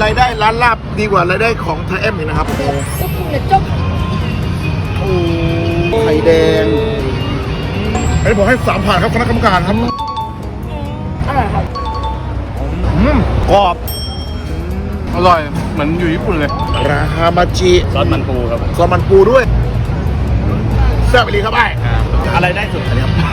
รายได้ร้านลาบดีกว่ารายได้ของไทยเอ็มอีกนะครับโอ้ไข่แดงอันนี้ผมให้3 ผ่านครับคณะกรรมการครับอร่อยครับกรอบอร่อยเหมือนอยู่ญี่ปุ่นเลยราคามาจิซอสมันปูครับซอสมันปูด้วยแซ่บไปเลยครับไอ้อะไรได้สุดอันนี้ครับ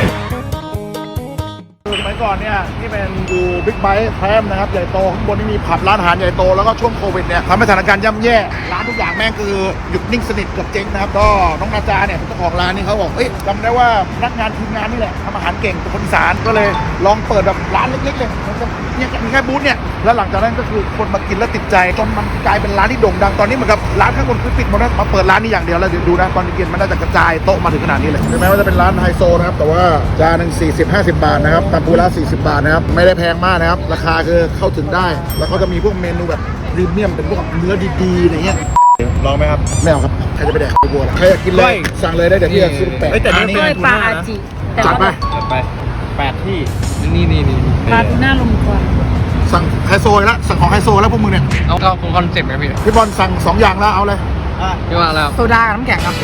สมัยก่อนเนี่ยที่เป็นดูบิ๊กไบค์แพรมนะครับใหญ่โตข้างบนนี่มีผับร้านอาหารใหญ่โตแล้วก็ช่วงโควิดเนี่ยทำให้สถานการณ์ย่ำแย่ร้านทุกอย่างแม่งคือหยุดนิ่งสนิทกับเจ๊งนะครับก็น้องนาจาเนี่ยเจ้าของร้านนี่เขาบอกเอ้ยจำได้ว่าพนักงานทีมงานนี่แหละทำอาหารเก่งเป็นคนอีสานก็เลยลองเปิดแบบร้านเล็กๆเลยเนี่ยมีแค่บูธเนี่ยแล้วหลังจากนั้นก็คือคนมากินแล้วติดใจจนมันกลายเป็นร้านที่โด่งดังตอนนี้เหมือนกับร้านข้างบนคือปิดหมดแล้วมาเปิดร้านนี้อย่างเดียวแล้วเดี๋ยวดูนะตอนเย็นมันน่าจะกระจายโต๊ะมาถึงขนาดนี้เลยถึงแม้ว่าจะเป็นร้านไฮโซนะครับแต่ว่าจานหนึ่ง40-50 บาทนะครับตามปูร้าน40 บาทนะครับไม่ได้แพงมากนะครับราคาคือเข้าถึงได้แล้วก็จะมีพวกเมนูแบบพรีเมียมเป็นพวกเนื้อดีๆอะไรเงี้ยลองไหมครับไม่เอาครับใครจะไปแดกบัวล่ะใครอยากกินเลยสั่งเลยได้เดี๋ยวพี่จะซื้อแปะแต่นี่ปลาอาจิจัดไป 8 ที่นี่ปลาทูน่าลมควันสั่งไฮโซแล้วสั่งของไฮโซแล้วพวกมึงเนี่ยเอาคอนเซ็ปต์ไหมพี่บอลสั่ง2 อย่างแล้วเอาเลยพี่ว่าแล้วโซดากับน้ำแข็งครับ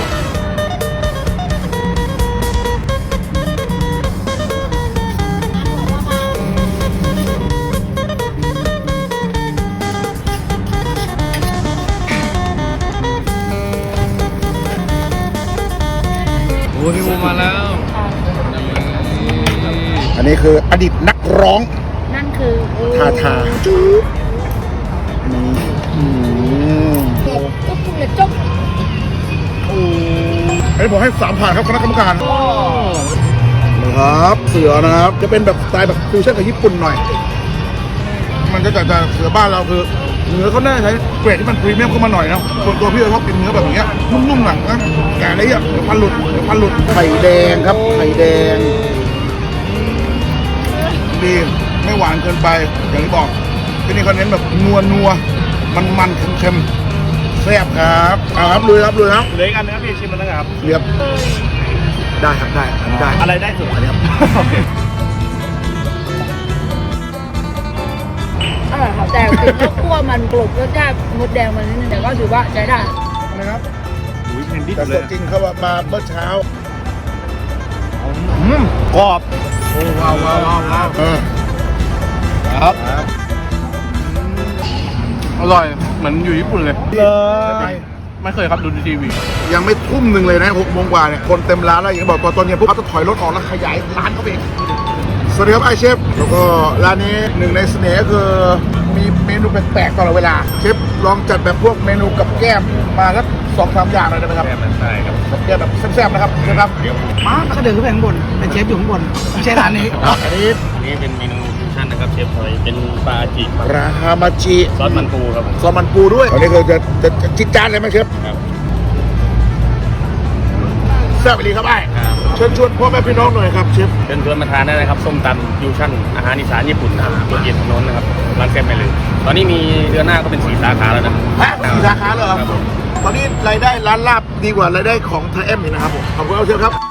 โอ้พี่บูมาแล้วอันนี้คืออดีตนักร้องนั่นคือทาจุ๊บนี่จบอันนี้ผมให้3 ผ่านครับคณะกรรมการนะครับเสือนะครับจะเป็นแบบสไตล์แบบฟิวชั่นกับญี่ปุ่นหน่อยมันจะเสือบ้านเราคือเนื้อเขาแน่ใช้เกรดที่มันพรีเมียมขึ้นมาหน่อยนะส่วนตัวพี่ชอบกินเนื้อแบบนี้นุ่มๆหนังนะแกะอะไรอ่ะเดี๋ยวพันหลุดไข่แดงครับไข่แดงดีไม่หวานเกินไปอย่างที่บอกที่นี่เขาเน้นแบบนัวมันเค็มแซ่บครับครับลุยครับเหลืออีกอันนึงครับพี่ชิมมันนะครับเรียบได้ครับได้อะไรได้สุดอันนี้ครับอร่อยครับแต่ถึงว่าคั่วมันกลบรสชาติมดแดงมันนิดนึงแต่ก็ถือว่าใช้ได้นะครับเพนดิสแต่สดจริงเขามาเมื่อเช้ากรอบโอ้ว้าวครับอร่อยเหมือนอยู่ญี่ปุ่นเลยไม่เคยครับดูทีวียังไม่ทุ่มหนึ่งเลยนะ6 โมงกว่าเนี่ยคนเต็มร้านแล้วอย่างที่บอกตอนเย็นพวกเขาจะถอยรถออกแล้วขยายร้านเขาเองสวัสดีครับไอเชฟแล้วก็ร้านนี้หนึ่งในเสน่ห์ก็คือมีเมนูแปลกๆตลอดเวลาเชฟลองจัดแบบพวกเมนูกับแก้มมาสัก2-3 อย่างเลยได้ไหมครับใช่ครับกับแก้มแบบแซ่บๆนะครับเชฟครับมาก็เดินขึ้นไปข้างบนเป็นเชฟอยู่ข้างบนไม่ใช่ร้านนี้อันนี้เป็นเมนูฟิวชั่นนะครับเชฟพอยเป็นปลาจิราคามาจิซอสมันปูครับซอสมันปูด้วยอันนี้คือจะจิตจานเลยไหมเชฟครับแซ่บไปเลยครับไอ้เชิญชวนพ่อแม่พี่น้องหน่อยครับเชฟเชิญมาทานได้นะครับส้มตำฟิวชั่นอาหารอีสานญี่ปุ่นรสเย็นถนนนะครับร้านแซ่บไปเลยตอนนี้มีเดือนหน้าก็เป็น4 สาขาแล้วนะ 4 สาขาเลยครับตอนนี้รายได้ร้านลาบดีกว่ารายได้ของไทยเอ็มอีกนะครับผมขอบคุณเชฟครับ